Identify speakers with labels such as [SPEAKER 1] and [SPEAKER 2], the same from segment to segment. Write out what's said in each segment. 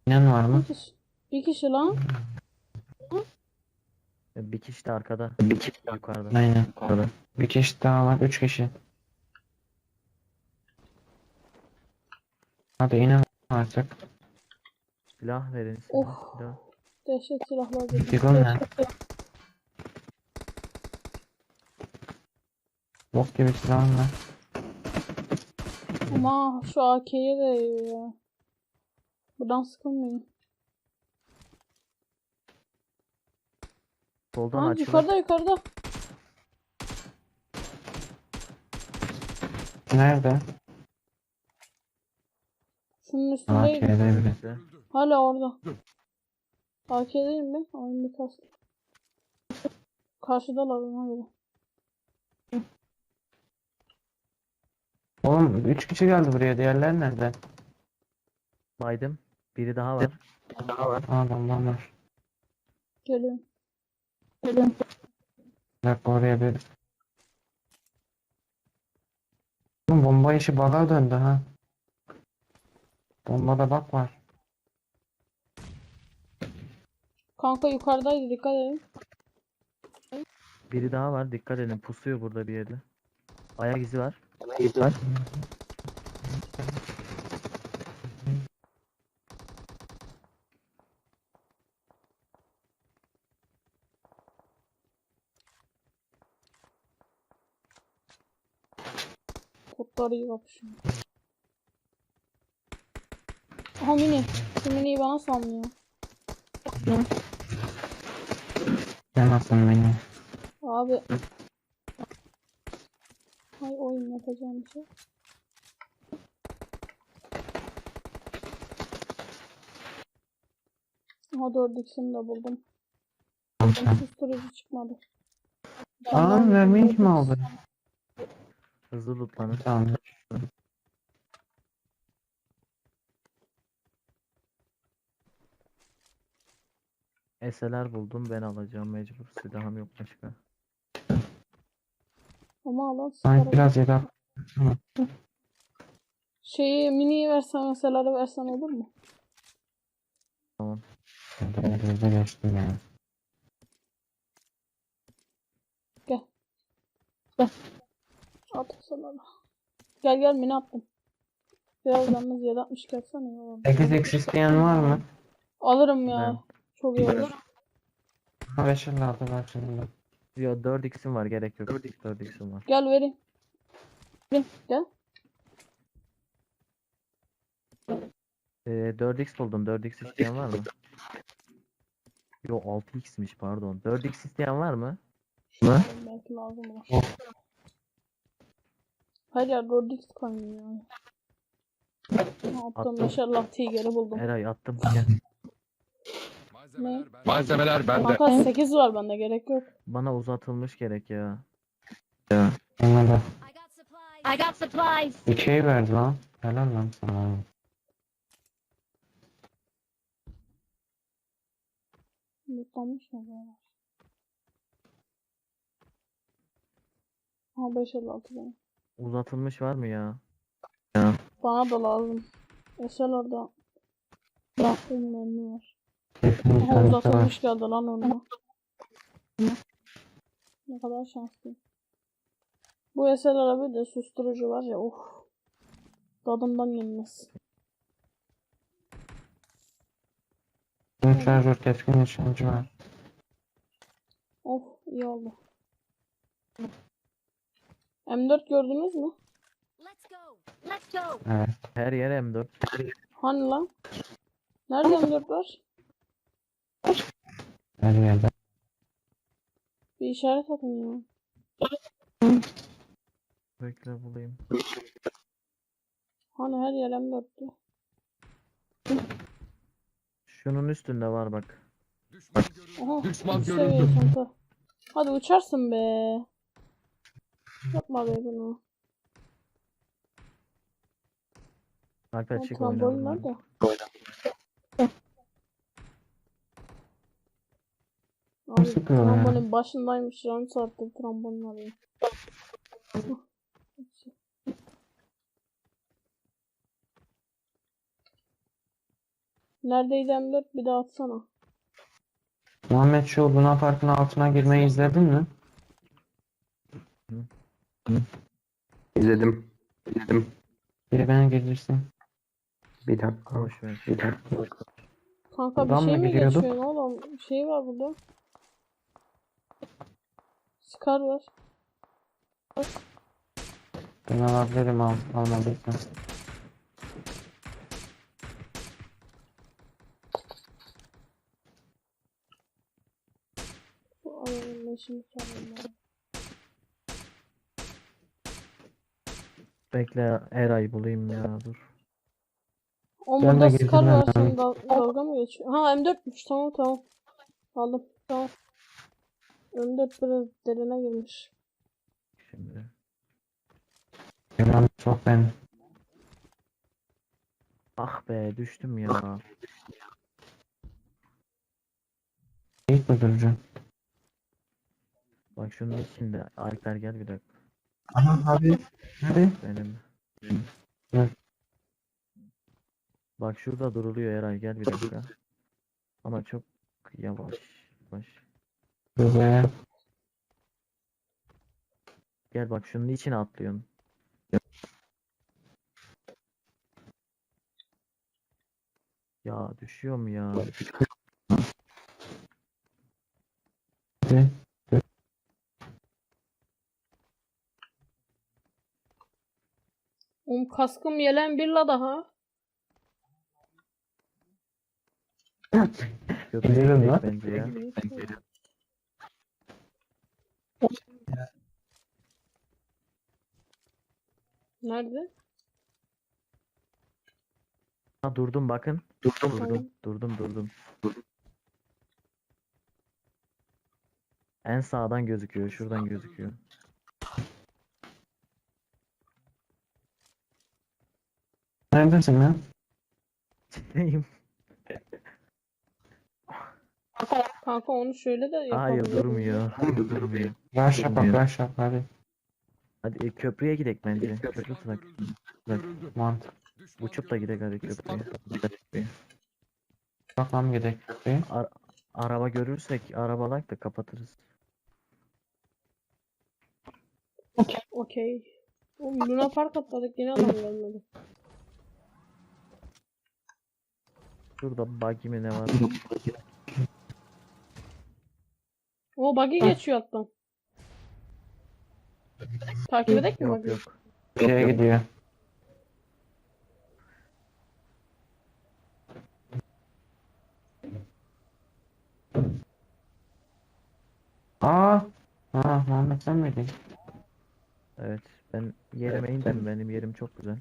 [SPEAKER 1] İnan var mı?
[SPEAKER 2] Bir kişi. Bir kişi lan.
[SPEAKER 3] Bir kişi de arkada. Yukarıda.
[SPEAKER 1] Aynen. Bir kişi daha var. 3 kişi. Hadi inan artık.
[SPEAKER 3] Silah verin
[SPEAKER 2] Oh.
[SPEAKER 3] silah.
[SPEAKER 2] Dehşet silahlar dedi.
[SPEAKER 1] Diggle ne? Bok gibi silahım var.
[SPEAKER 2] Ama şu AK'ye değiyor ya. Buradan sıkılmayın.
[SPEAKER 3] Soldan
[SPEAKER 2] Ha,
[SPEAKER 3] açılır.
[SPEAKER 2] yukarıda.
[SPEAKER 1] Nerede?
[SPEAKER 2] Şunun
[SPEAKER 1] Aa,
[SPEAKER 2] üstündeyim.
[SPEAKER 1] K'de biri.
[SPEAKER 3] İşte.
[SPEAKER 2] Hala orada. AK'deyim mi? Oyun bir kast. Karşıdalar ona göre.
[SPEAKER 1] Oğlum 3 kişi geldi buraya. Diğerleri nerede?
[SPEAKER 3] Baydım. Biri daha var.
[SPEAKER 1] Adamlar var.
[SPEAKER 2] Geliyorum.
[SPEAKER 1] Bir dakika oraya bir... Oğlum bomba işi baga döndü ha. Bombada bak var.
[SPEAKER 2] Kanka yukarıdaydı, dikkat edin.
[SPEAKER 3] Biri daha var. Dikkat edin. Pusuyor burada bir yerde. Ayak izi var.
[SPEAKER 2] Kurtlar iyi kapışıyor. Aha mini. Şu miniyi bana sallıyor.
[SPEAKER 1] Yanasın beni.
[SPEAKER 2] Abi. Hay oyun yapacağım bir şey. Aha 4x'ini de buldum. Susturucu çıkmadı.
[SPEAKER 1] Aa mermi kim aldı?
[SPEAKER 3] Hızlı lootlanın.
[SPEAKER 1] Tamam.
[SPEAKER 3] SLR buldum. Ben alacağım mecbur. Silahım yok başka.
[SPEAKER 2] Ama Allah
[SPEAKER 1] Sanki
[SPEAKER 2] sıkarım.
[SPEAKER 1] biraz yedek.
[SPEAKER 2] Şeyi miniyi versen mesela versen olur mu?
[SPEAKER 3] Tamam.
[SPEAKER 1] Hızlı geçtim yani.
[SPEAKER 2] At sana. Gel mini attım. Biraz yalnız 760 gelsene iyi olur.
[SPEAKER 1] 8x isteyen var mı?
[SPEAKER 2] Alırım ya.
[SPEAKER 3] Ben.
[SPEAKER 2] Çok iyi olur.
[SPEAKER 1] Ha 5 aldı bak şimdi.
[SPEAKER 3] Yo 4x'im var. Gerek yok. 4x'im var.
[SPEAKER 2] Gel vereyim. Gel.
[SPEAKER 3] 4x buldum. 4x isteyen var mı? Yo 6x'miş pardon. 4x isteyen var mı?
[SPEAKER 2] Belki lazım olur. Her yer 4x koyuyor yani. Attım
[SPEAKER 3] Attım.
[SPEAKER 2] maşallah Tiger'i buldum.
[SPEAKER 3] Eray attım. Gel.
[SPEAKER 2] Ne?
[SPEAKER 4] Malzemeler bende.
[SPEAKER 2] Kanka 8 var bende, gerek yok.
[SPEAKER 3] Bana uzatılmış gerek ya.
[SPEAKER 1] Ona da.
[SPEAKER 5] I got supplies.
[SPEAKER 1] 2'yi verdi lan. Helal lan sana.
[SPEAKER 2] Mutlanmış mı böyle? Ha 556 benim.
[SPEAKER 3] Uzatılmış var mı ya?
[SPEAKER 2] Bana da lazım. Esel orada. Bıraktığım mermi var.
[SPEAKER 1] Kesin
[SPEAKER 2] Aha
[SPEAKER 1] tanısı var.
[SPEAKER 2] uzatılmış geldi lan önüme. Ne kadar şanslıyım. Bu Esel araba de susturucu var ya, tadından yenmez.
[SPEAKER 1] Bunun şarjör keskin nişancı var.
[SPEAKER 2] İyi oldu. M4 gördünüz mü?
[SPEAKER 5] Let's go.
[SPEAKER 1] Evet.
[SPEAKER 3] Her yer M4.
[SPEAKER 2] Hani lan? Nerede M4 var?
[SPEAKER 1] Her yerde.
[SPEAKER 2] Bir işaret atın ya.
[SPEAKER 3] Bekle bulayım.
[SPEAKER 2] Hani her yer M4'tü.
[SPEAKER 3] Şunun üstünde var bak.
[SPEAKER 2] Aha.
[SPEAKER 4] Düşman
[SPEAKER 2] üst
[SPEAKER 4] görüldü.
[SPEAKER 2] seviye çanta. Hadi uçarsın be. Yapma be bunu.
[SPEAKER 3] Alper
[SPEAKER 2] O
[SPEAKER 3] çık
[SPEAKER 2] trambolin
[SPEAKER 3] oynayalım.
[SPEAKER 2] nerede? Abi
[SPEAKER 1] sıkıyor ya?
[SPEAKER 2] trambolin başındaymış. Yarım saattir trambolin arıyor. Neredeydi M4? Bir daha atsana.
[SPEAKER 1] Muhammed şu Luna Park'ın altına girmeyi izledin mi?
[SPEAKER 4] İzledim. İzledim.
[SPEAKER 1] Biri beni girdirsin.
[SPEAKER 4] Bir dakika.
[SPEAKER 3] Boş ver.
[SPEAKER 4] Bir dakika.
[SPEAKER 2] Kanka bir
[SPEAKER 1] Buradan
[SPEAKER 2] şey
[SPEAKER 1] mı
[SPEAKER 2] mi
[SPEAKER 1] giriyorduk?
[SPEAKER 2] geçiyorsun oğlum? Bir şey var burada. Scar var.
[SPEAKER 1] Ben alabilirim almadıysam.
[SPEAKER 2] Bu adamın leşini çaldım ben.
[SPEAKER 3] Bekle Eray bulayım ya dur.
[SPEAKER 2] Oğlum
[SPEAKER 1] Ben de
[SPEAKER 2] burada
[SPEAKER 1] girdim
[SPEAKER 2] Scar
[SPEAKER 1] ben
[SPEAKER 2] var.
[SPEAKER 1] hemen.
[SPEAKER 2] Senin dalga mı geçiyor? Ha M4'müş. Tamam tamam. Aldım. Tamam. M4 biraz derine girmiş.
[SPEAKER 3] Şimdi.
[SPEAKER 1] Yalan çok ben.
[SPEAKER 3] Ah be düştüm ya.
[SPEAKER 1] İlk mi duracaksın?
[SPEAKER 3] Bak şunun içinde. Alper gel bir dakika.
[SPEAKER 1] Aha abi. Hadi.
[SPEAKER 3] Benim.
[SPEAKER 1] Hı.
[SPEAKER 3] Bak şurada duruluyor Eray gel bir dakika. Ama çok yavaş. Yavaş.
[SPEAKER 1] Dur be.
[SPEAKER 3] Gel bak şunun içine atlıyorsun. Ya düşüyorum ya.
[SPEAKER 1] Hadi.
[SPEAKER 2] Oğlum kaskım yelen bir la daha.
[SPEAKER 3] Köprüye
[SPEAKER 1] Bilirim
[SPEAKER 3] gidelim
[SPEAKER 1] lan.
[SPEAKER 3] bence ya.
[SPEAKER 2] Nerede?
[SPEAKER 3] Ha durdum bakın.
[SPEAKER 2] Tamam.
[SPEAKER 3] Durdum. En sağdan gözüküyor. Şuradan gözüküyor.
[SPEAKER 1] Neredesin lan?
[SPEAKER 3] Neyim?
[SPEAKER 2] Kanka onu şöyle de
[SPEAKER 3] Hayır
[SPEAKER 2] yapabilirim.
[SPEAKER 3] durmuyor. Durmuyor.
[SPEAKER 1] Rush yap bak rush yap hadi.
[SPEAKER 3] Hadi köprüye gidelim bence. Köprü tutak.
[SPEAKER 1] Mant.
[SPEAKER 3] Uçup da gidelim hadi köprüye.
[SPEAKER 1] Bakalım gidelim. Köprüye.
[SPEAKER 3] Araba görürsek arabalak da kapatırız.
[SPEAKER 2] Okey. Oğlum Luna Park atladık yine adam gelmedi.
[SPEAKER 3] Şurada buggy mi ne var?
[SPEAKER 2] O buggy geçiyor alttan. Takip edek mi
[SPEAKER 3] Yok
[SPEAKER 2] buggy?
[SPEAKER 3] yok.
[SPEAKER 1] Şeye gidiyor. Aa. Aa Muhammed sen miydin?
[SPEAKER 3] Evet. Ben yerime indim. Benim yerim çok güzel.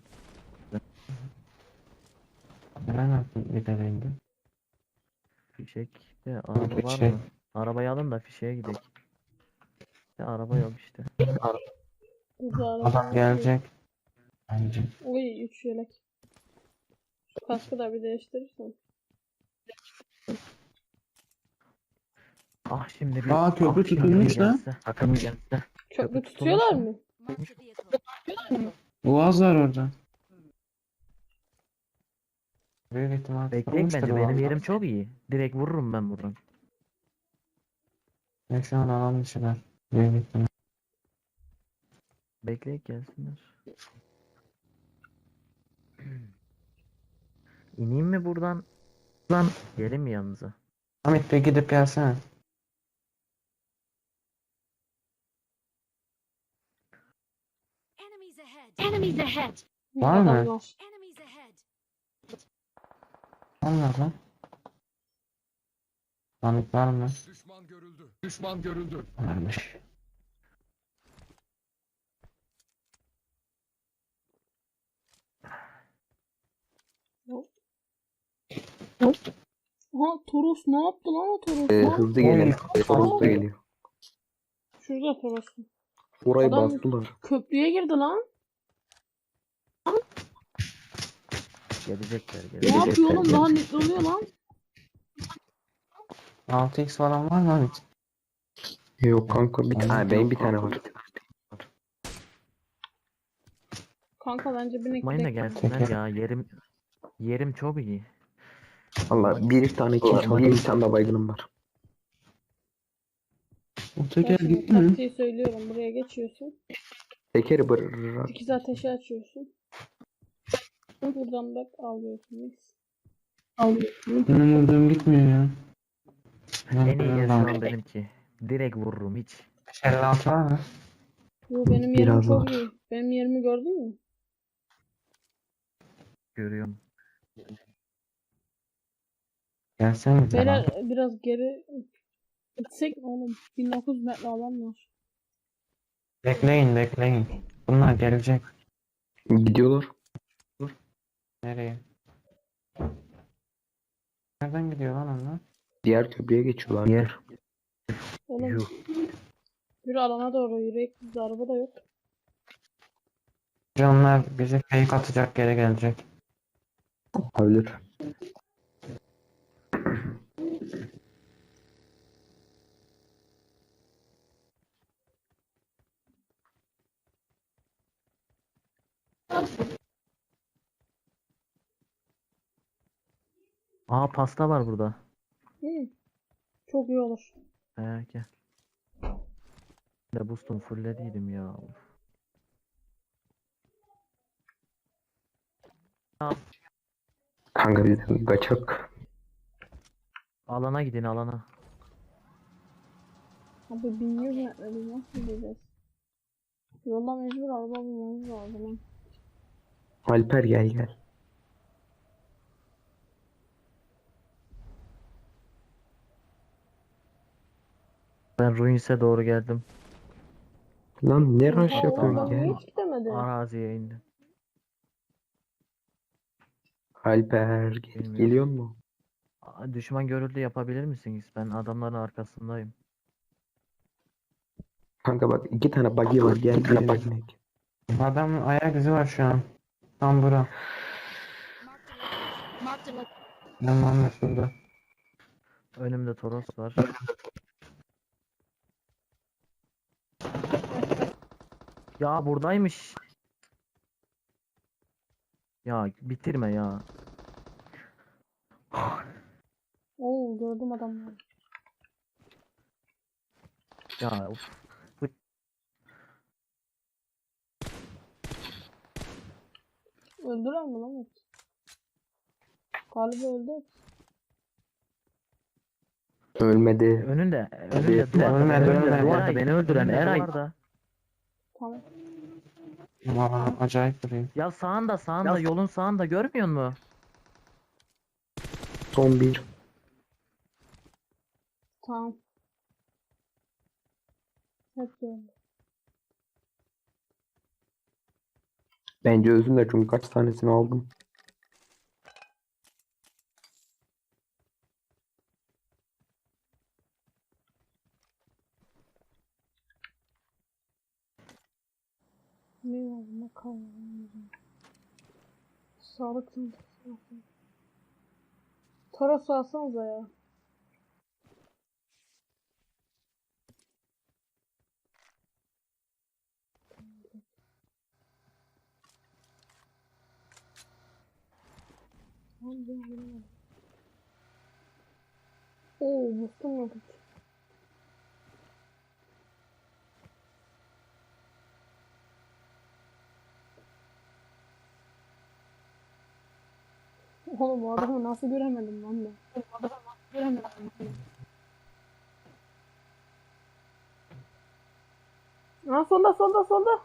[SPEAKER 1] Ben nasıl gidelim?
[SPEAKER 3] Fişekte araba var
[SPEAKER 1] Fişek.
[SPEAKER 3] mı? Arabayı alın da fişeğe gidelim. Ya araba yok işte.
[SPEAKER 2] Burada
[SPEAKER 1] Adam gelecek. Bence.
[SPEAKER 2] Oy 3 yelek. Şu kaskı da bir değiştirirsen.
[SPEAKER 3] Ah şimdi bir
[SPEAKER 1] Aa, köprü
[SPEAKER 3] akşam
[SPEAKER 1] tutulmuş lan.
[SPEAKER 3] gelse, Takım gelse.
[SPEAKER 2] Köprü
[SPEAKER 3] tutulmuş
[SPEAKER 2] tutuyorlar
[SPEAKER 3] mu?
[SPEAKER 2] mı?
[SPEAKER 5] Marked a vehicle.
[SPEAKER 1] Boğaz var orada. Büyük ihtimal
[SPEAKER 3] Bekleyin
[SPEAKER 1] tutulmuştur
[SPEAKER 3] bence benim
[SPEAKER 1] Boğaz.
[SPEAKER 3] yerim çok iyi. Direkt vururum ben buradan.
[SPEAKER 1] Ben şu an alan dışılar. Büyük ihtimal.
[SPEAKER 3] Bekleyip gelsinler. İneyim mi buradan? Lan gelin mi yanınıza?
[SPEAKER 1] Hamit bir gidip gelsene.
[SPEAKER 5] Enemies ahead. Enemies ahead.
[SPEAKER 1] Var mı?
[SPEAKER 2] Adam var.
[SPEAKER 5] Enemies ahead.
[SPEAKER 1] Allah lan. Hamit var mı?
[SPEAKER 6] Düşman görüldü. Düşman görüldü.
[SPEAKER 1] Varmış.
[SPEAKER 2] Aha Toros ne yaptı lan o Toros lan?
[SPEAKER 4] Hızlı geliyor. Hızlı geliyor.
[SPEAKER 2] Şurada Toros'un.
[SPEAKER 4] Orayı
[SPEAKER 2] Adam-
[SPEAKER 4] bastılar.
[SPEAKER 2] Köprüye girdi lan.
[SPEAKER 3] Gelecekler
[SPEAKER 2] Ne
[SPEAKER 3] gelecekler.
[SPEAKER 2] yapıyor oğlum? Daha netli oluyor lan.
[SPEAKER 1] 6x falan var mı Hamit?
[SPEAKER 4] Yok kanka bir tane. Benim bir tane var.
[SPEAKER 2] Kanka bence bir
[SPEAKER 3] Mayın da
[SPEAKER 2] nekle.
[SPEAKER 3] gelsinler ya yerim çok iyi.
[SPEAKER 4] Valla bir tane kill çaldım, bir tane de baygınım var.
[SPEAKER 1] O
[SPEAKER 2] Ben
[SPEAKER 1] teker
[SPEAKER 2] şimdi
[SPEAKER 1] gitti mi?
[SPEAKER 2] taktiği söylüyorum. Buraya geçiyorsun.
[SPEAKER 4] Tekeri bırak.
[SPEAKER 2] İkiz ateşi açıyorsun. Buradan bak alıyorsunuz.
[SPEAKER 1] Benim vurduğum gitmiyor ya.
[SPEAKER 3] En iyi yer şu an
[SPEAKER 1] Ben
[SPEAKER 3] benimki. Direkt vururum hiç.
[SPEAKER 1] 56 var mı?
[SPEAKER 2] Bu benim yerim
[SPEAKER 4] Biraz
[SPEAKER 2] çok
[SPEAKER 4] var.
[SPEAKER 2] iyi. Benim yerimi gördün mü?
[SPEAKER 3] Görüyorum.
[SPEAKER 1] Gelsene bize lan.
[SPEAKER 2] Beyler biraz geri gitsek mi oğlum? 1900 metre alan var.
[SPEAKER 1] Bekleyin bekleyin. Bunlar gelecek.
[SPEAKER 4] Gidiyorlar.
[SPEAKER 1] Nereye? Nereden gidiyor lan onlar?
[SPEAKER 4] Diğer köprüye geçiyorlar.
[SPEAKER 3] Yer.
[SPEAKER 2] Oğlum
[SPEAKER 3] Yuh.
[SPEAKER 2] yürü alana doğru yürek. Bizde araba da yok.
[SPEAKER 1] Onlar bizi fake atacak geri gelecek.
[SPEAKER 4] Olabilir.
[SPEAKER 3] Aa pasta var burada.
[SPEAKER 2] Hı. Çok iyi olur.
[SPEAKER 3] Gel. De boostum fulllediydim ya.
[SPEAKER 4] Kanka biz kaçak.
[SPEAKER 3] Alana gidin alana.
[SPEAKER 2] Abi 1100 metre biz nasıl gideceğiz? Yolda mecbur araba bulmamız lazım. Ha.
[SPEAKER 4] Alper gel.
[SPEAKER 3] Ben Ruins'e doğru geldim.
[SPEAKER 4] Lan ne rush
[SPEAKER 2] Aa,
[SPEAKER 4] yapıyorsun
[SPEAKER 2] oradan
[SPEAKER 4] gel.
[SPEAKER 2] niye hiç gidemedi?
[SPEAKER 3] Araziye indim.
[SPEAKER 4] Alper
[SPEAKER 3] Bilmiyorum.
[SPEAKER 4] geliyor mu?
[SPEAKER 3] Düşman görüldü yapabilir misiniz? Ben adamların arkasındayım.
[SPEAKER 4] Kanka bak 2 tane buggy var gel birine.
[SPEAKER 1] Adamın ayak izi var şu an. Tam bura.
[SPEAKER 5] Marked a location.
[SPEAKER 1] Tamam şurada.
[SPEAKER 3] Önümde Toros var. Ya buradaymış. Ya bitirme ya.
[SPEAKER 2] Oo gördüm adamları.
[SPEAKER 3] Ya of.
[SPEAKER 2] Öldüler mi lan hepsi? Galiba öldü hepsi.
[SPEAKER 4] Ölmedi.
[SPEAKER 3] Önünde duvarda,
[SPEAKER 1] Ölmedi,
[SPEAKER 3] önünde
[SPEAKER 1] ölmedi.
[SPEAKER 3] duvarda beni öldüren Eray.
[SPEAKER 2] Tamam.
[SPEAKER 1] Valla acayip duruyor.
[SPEAKER 3] Ya sağında yolun sağında görmüyor musun?
[SPEAKER 4] Son bir.
[SPEAKER 2] Tamam. Hepsi öldü.
[SPEAKER 4] Bence özünde çünkü kaç tanesini aldım.
[SPEAKER 2] Ne var ne kalmadı. Sağlık çantası. Toros alsanıza ya. Tamam ben vuramadım. Oo boostum yok hiç. Oğlum bu adamı nasıl göremedim lan ben? Aa solda.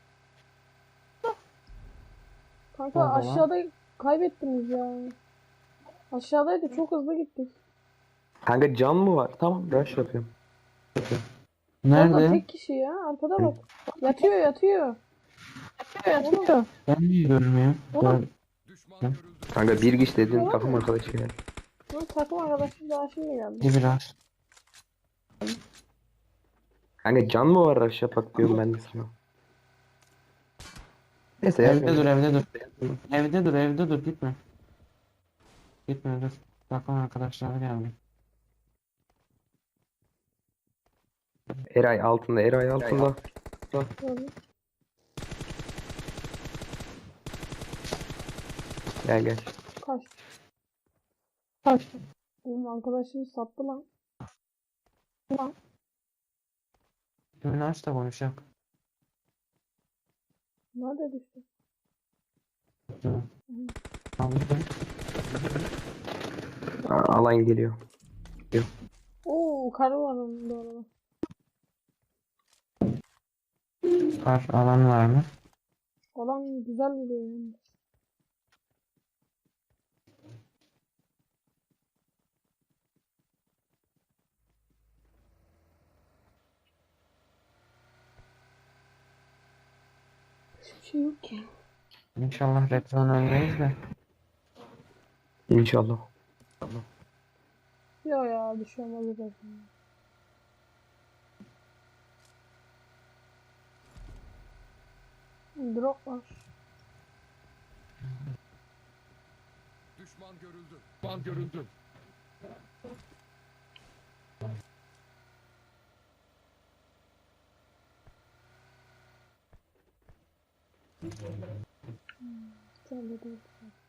[SPEAKER 2] Kanka
[SPEAKER 1] Solda lan.
[SPEAKER 2] aşağıda kaybettiniz ya. Aşağıdaydı çok hızlı gittik.
[SPEAKER 4] Kanka can mı var? Tamam rush yapıyorum.
[SPEAKER 2] Orada
[SPEAKER 1] Nerede?
[SPEAKER 2] tek kişi ya. Arkada bak. Yatıyor. Oğlum,
[SPEAKER 1] Ben niye görmüyorum?
[SPEAKER 2] Oğlum.
[SPEAKER 6] Düşman görüldü.
[SPEAKER 4] Kanka bir kişi dedin takım arkadaşı gel.
[SPEAKER 2] bu takım arkadaşım daha şimdi geldi.
[SPEAKER 1] Bir biraz.
[SPEAKER 4] Kanka can mı var rush yapak diyorum ben de sana. Neyse
[SPEAKER 1] Evde dur
[SPEAKER 4] yapmayalım.
[SPEAKER 1] evde dur gitme. Gitme dur. Takım arkadaşları geldi.
[SPEAKER 4] Eray altında.
[SPEAKER 2] Gördün.
[SPEAKER 4] Gel.
[SPEAKER 2] Kaç. Benim arkadaşım sattı lan.
[SPEAKER 1] Düğünü aç da konuşak.
[SPEAKER 2] Nerede düştü?
[SPEAKER 1] Tamam.
[SPEAKER 4] Alan geliyor.
[SPEAKER 2] Oo, karı var onun da arada.
[SPEAKER 1] Kar alan var mı?
[SPEAKER 2] Olan güzel vuruyor yani. Hiçbir şey yok ki.
[SPEAKER 1] İnşallah red zone ölmeyiz de.
[SPEAKER 4] İnşallah.
[SPEAKER 2] Yo ya bir şey olmaz zaten. Drop var.
[SPEAKER 6] Düşman görüldü. Düşman görüldü.
[SPEAKER 2] Sen de değil.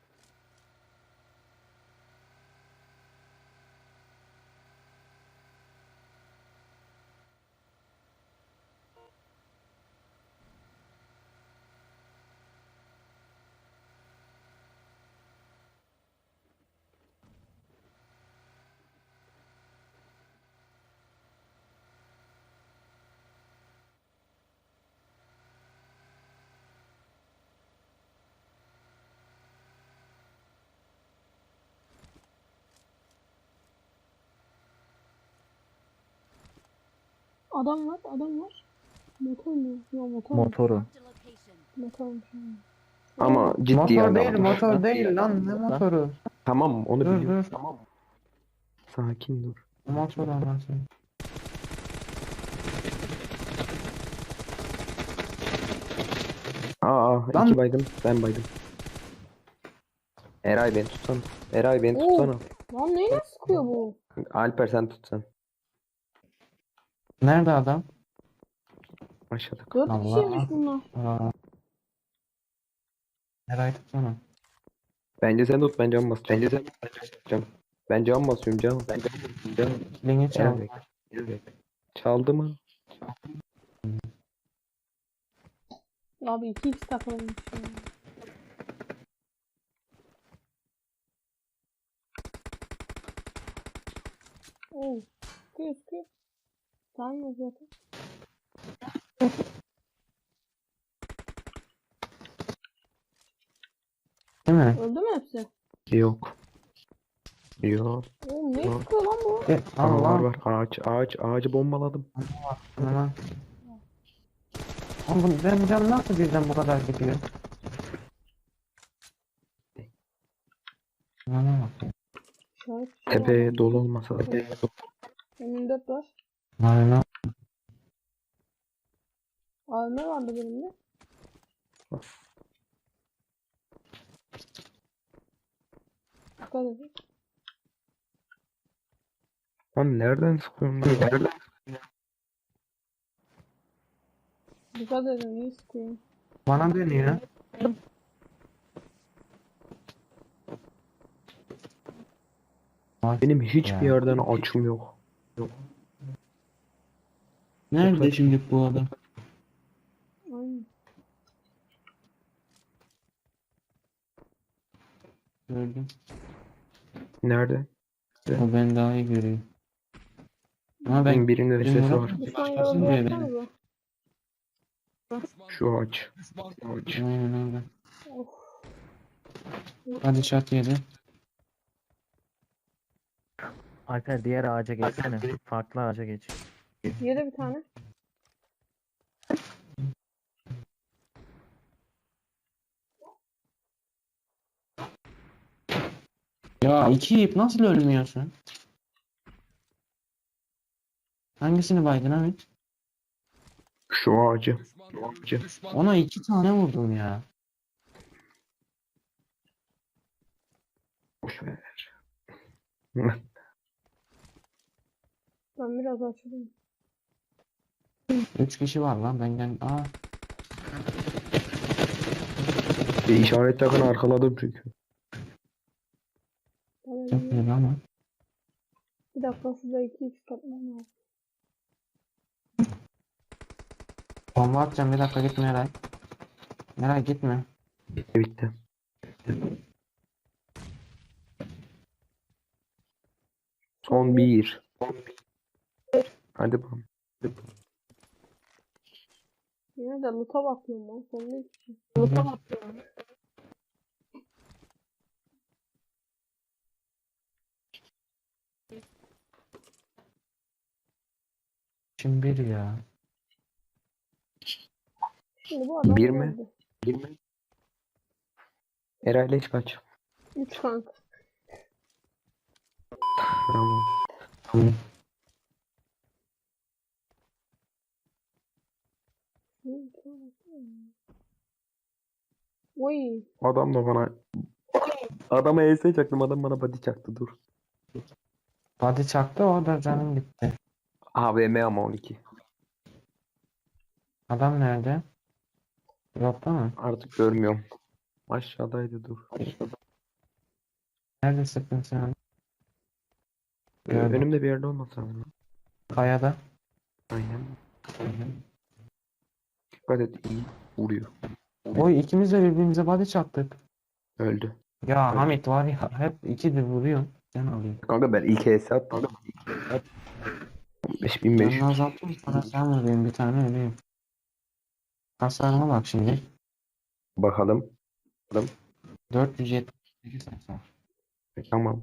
[SPEAKER 2] Adam var, adam var. Motor mu? Yok motor.
[SPEAKER 3] Motoru.
[SPEAKER 5] Marked a location.
[SPEAKER 2] Motormuş.
[SPEAKER 4] Ama ciddi
[SPEAKER 1] Motor
[SPEAKER 4] adam.
[SPEAKER 1] değil, motor değil lan. Ne motoru?
[SPEAKER 4] Tamam onu
[SPEAKER 1] Dur
[SPEAKER 4] biliyorum.
[SPEAKER 1] dur.
[SPEAKER 4] Tamam. Sakin dur.
[SPEAKER 1] Motor anasını. Lan-
[SPEAKER 4] İki baydım. Ben baydım. Eray beni tutsana. Eray beni
[SPEAKER 2] Oo.
[SPEAKER 4] tutsana.
[SPEAKER 2] Lan neyle sıkıyor bu?
[SPEAKER 4] Alper sen tutsan.
[SPEAKER 1] Nerede adam?
[SPEAKER 4] Aşağıda.
[SPEAKER 2] 4
[SPEAKER 1] Allah.
[SPEAKER 2] kişiymiş bunlar.
[SPEAKER 1] Aa. Eray tutsana.
[SPEAKER 4] Bence sen tut ben cam basacağım. Bence sen basacağım. Ben cam basıyorum cam.
[SPEAKER 1] Kilini çal.
[SPEAKER 4] Çaldı mı?
[SPEAKER 2] Abi 2x takılmış ya. Oo. Sıkıyor sıkıyor. Tanrım zaten.
[SPEAKER 1] Değil mi?
[SPEAKER 2] Öldü mü hepsi?
[SPEAKER 4] Yok. Yok.
[SPEAKER 2] Oğlum ne
[SPEAKER 4] Yok.
[SPEAKER 2] sıkıyor lan bu?
[SPEAKER 4] Aa, var
[SPEAKER 1] Allah.
[SPEAKER 4] var. Ağacı bombaladım.
[SPEAKER 1] Aman. Oğlum benim canım nasıl birden bu kadar gidiyor? Bana bak.
[SPEAKER 2] İşaret bir şey
[SPEAKER 4] Tepe dolu olmasa da.
[SPEAKER 2] M24 var.
[SPEAKER 1] Aynen.
[SPEAKER 2] AVM vardı benim de. Dikkat edin.
[SPEAKER 4] Lan nereden sıkıyorsun? Nereden?
[SPEAKER 2] Dikkat edin iyi sıkıyor.
[SPEAKER 1] Bana dönüyor.
[SPEAKER 4] Benim hiçbir
[SPEAKER 1] Ya.
[SPEAKER 4] yerden açım yok.
[SPEAKER 1] Nerede şimdi bu adam?
[SPEAKER 2] Aynen.
[SPEAKER 1] Gördüm.
[SPEAKER 4] Nerede?
[SPEAKER 1] O ben daha iyi görüyor. Ama ben
[SPEAKER 4] Benim birinde de ses var.
[SPEAKER 2] Düşman
[SPEAKER 1] Başkasını
[SPEAKER 2] yolu
[SPEAKER 1] diyor
[SPEAKER 2] bıraksanıza.
[SPEAKER 6] Düşman
[SPEAKER 4] Şu ağaç.
[SPEAKER 6] Düşman
[SPEAKER 4] Ağaç.
[SPEAKER 1] Aynen öyle.
[SPEAKER 2] Of.
[SPEAKER 1] Hadi çat yedi.
[SPEAKER 3] Alper diğer ağaca geçsene. Farklı ağaca geç.
[SPEAKER 2] Yedi bir tane.
[SPEAKER 1] Ya iki ip nasıl ölmüyorsun? Hangisini baydın abi?
[SPEAKER 4] Şu ağacı.
[SPEAKER 6] Düşman görüldü. Düşman
[SPEAKER 1] Ona iki tane vurdum ya.
[SPEAKER 4] Boş ver.
[SPEAKER 2] Ben biraz açıldım.
[SPEAKER 1] 3 kişi var lan benden. Aa.
[SPEAKER 4] Bir işaret takın arkaladım çünkü.
[SPEAKER 2] Tamam,
[SPEAKER 1] Çok
[SPEAKER 2] iyi.
[SPEAKER 1] iyi ama.
[SPEAKER 2] Bir dakika size 2x katmam lazım.
[SPEAKER 1] Bomba atacağım, bir dakika gitme Eray. Eray gitme.
[SPEAKER 4] Bitti. Son bir. Hadi bakalım.
[SPEAKER 2] Yine de loot'a bakıyorum lan. Sonunda hiçbir şey.
[SPEAKER 1] Şimdi bir ya.
[SPEAKER 2] Şimdi bu adam
[SPEAKER 4] Bir mi?
[SPEAKER 2] geldi.
[SPEAKER 4] Eray'la hiç kaç.
[SPEAKER 2] 3 kanka.
[SPEAKER 4] Tamam.
[SPEAKER 2] Oy.
[SPEAKER 4] Adam da bana adama ES çaktım, adam bana body çaktı, dur.
[SPEAKER 1] Body çaktı, o da canım gitti.
[SPEAKER 4] AVM ama 12.
[SPEAKER 1] Adam nerede? Dropta mı?
[SPEAKER 4] Artık görmüyorum. Aşağıdaydı, dur.
[SPEAKER 1] Nerede sıktın sen? Gördüm.
[SPEAKER 4] Önümde bir yerde olmasa ama.
[SPEAKER 1] Kayada.
[SPEAKER 4] Aynen. Dikkat et, iyi vuruyor.
[SPEAKER 1] Oy, ikimiz de birbirimize body çaktık.
[SPEAKER 4] Öldü.
[SPEAKER 1] Ya
[SPEAKER 4] Evet.
[SPEAKER 1] Hamit var ya, hep ikidir vuruyor. Sen alıyorsun.
[SPEAKER 4] Kanka ben ilk ES attım. 5500.
[SPEAKER 1] Canını azalttım, sonra sen vuruyorsun bir tane, öleyim. Hasarıma bak şimdi.
[SPEAKER 4] Bakalım.
[SPEAKER 1] 478 hasar.
[SPEAKER 4] Tamam.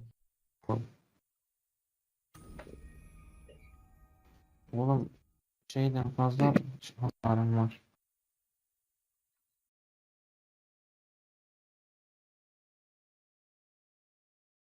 [SPEAKER 1] Oğlum şeyden fazla hasarım var.